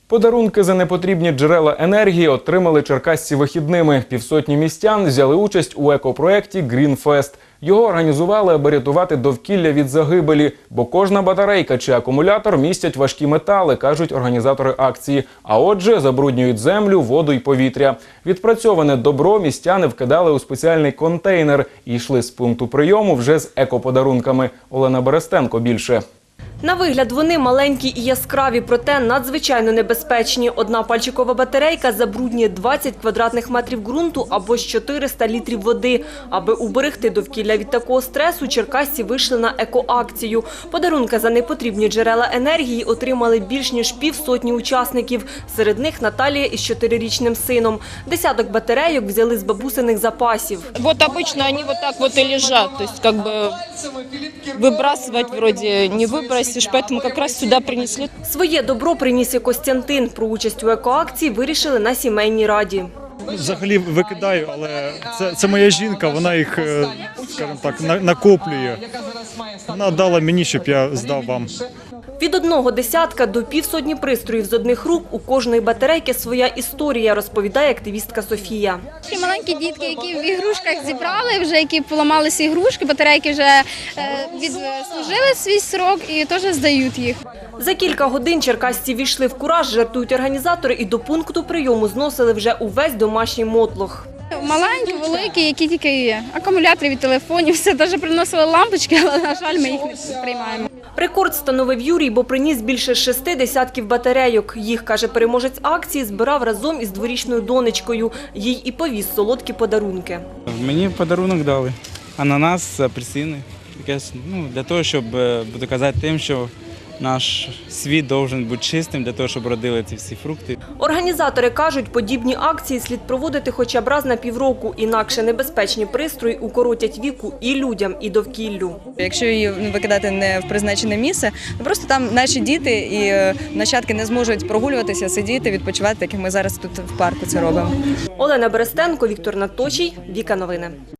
Подарунки за непотрібні джерела енергії отримали черкасці вихідними. Півсотні містян взяли участь у екопроєкті «Грінфест». Його організували, аби рятувати довкілля від загибелі, бо кожна батарейка чи акумулятор містять важкі метали, кажуть організатори акції. А отже, забруднюють землю, воду і повітря. Відпрацьоване добро містяни вкидали у спеціальний контейнер і йшли з пункту прийому вже з екоподарунками. Олена Берестенко більше. На вигляд вони маленькі і яскраві, проте надзвичайно небезпечні. Одна пальчикова батарейка забруднює 20 квадратних метрів ґрунту або ж 400 літрів води. Аби уберегти довкілля від такого стресу, черкасці вийшли на екоакцію. Подарунки за непотрібні джерела енергії отримали більш ніж півсотні учасників. Серед них Наталія із 4-річним сином. Десяток батарейок взяли з бабусиних запасів. Вот обычно они вот так вот и лежат, то есть как бы выбрасывать вроде не выбросишь, поэтому как раз сюда принесли. Своє добро приніс і Костянтин. Про участь у екоакції вирішили на сімейній раді. Взагалі викидаю, але це моя жінка, вона їх, скажімо так, накоплює. Вона дала мені, щоб я здав вам. Від одного десятка до півсотні пристроїв з одних рук у кожної батарейки своя історія, розповідає активістка Софія. Маленькі дітки, які в ігрушках зібрали, вже які поламалися ігрушки, батарейки вже відслужили свій срок і теж здають їх. За кілька годин черкасці війшли в кураж, жартують організатори, і до пункту прийому зносили вже увесь домашній мотлох. Маленькі, великі, які тільки є. Акумулятори від телефонів, все, навіть приносили лампочки, але, на жаль, ми їх не приймаємо. Рекорд встановив Юрій, бо приніс більше 6 десятків батарейок. Їх, каже переможець акції, збирав разом із дворічною донечкою. Їй і повіз солодкі подарунки. Мені подарунок дали. Ананас, апельсини. Для того, щоб доказати тим, що наш світ має бути чистим, для того, щоб родили ці всі фрукти. Організатори кажуть, подібні акції слід проводити хоча б раз на півроку, інакше небезпечні пристрої укоротять віку і людям, і довкіллю. Якщо її викидати не в призначене місце, просто там наші діти і нащадки не зможуть прогулюватися, сидіти, відпочивати, так як ми зараз тут в парку це робимо. Олена Берестенко, Віктор Наточій, Віка Новини.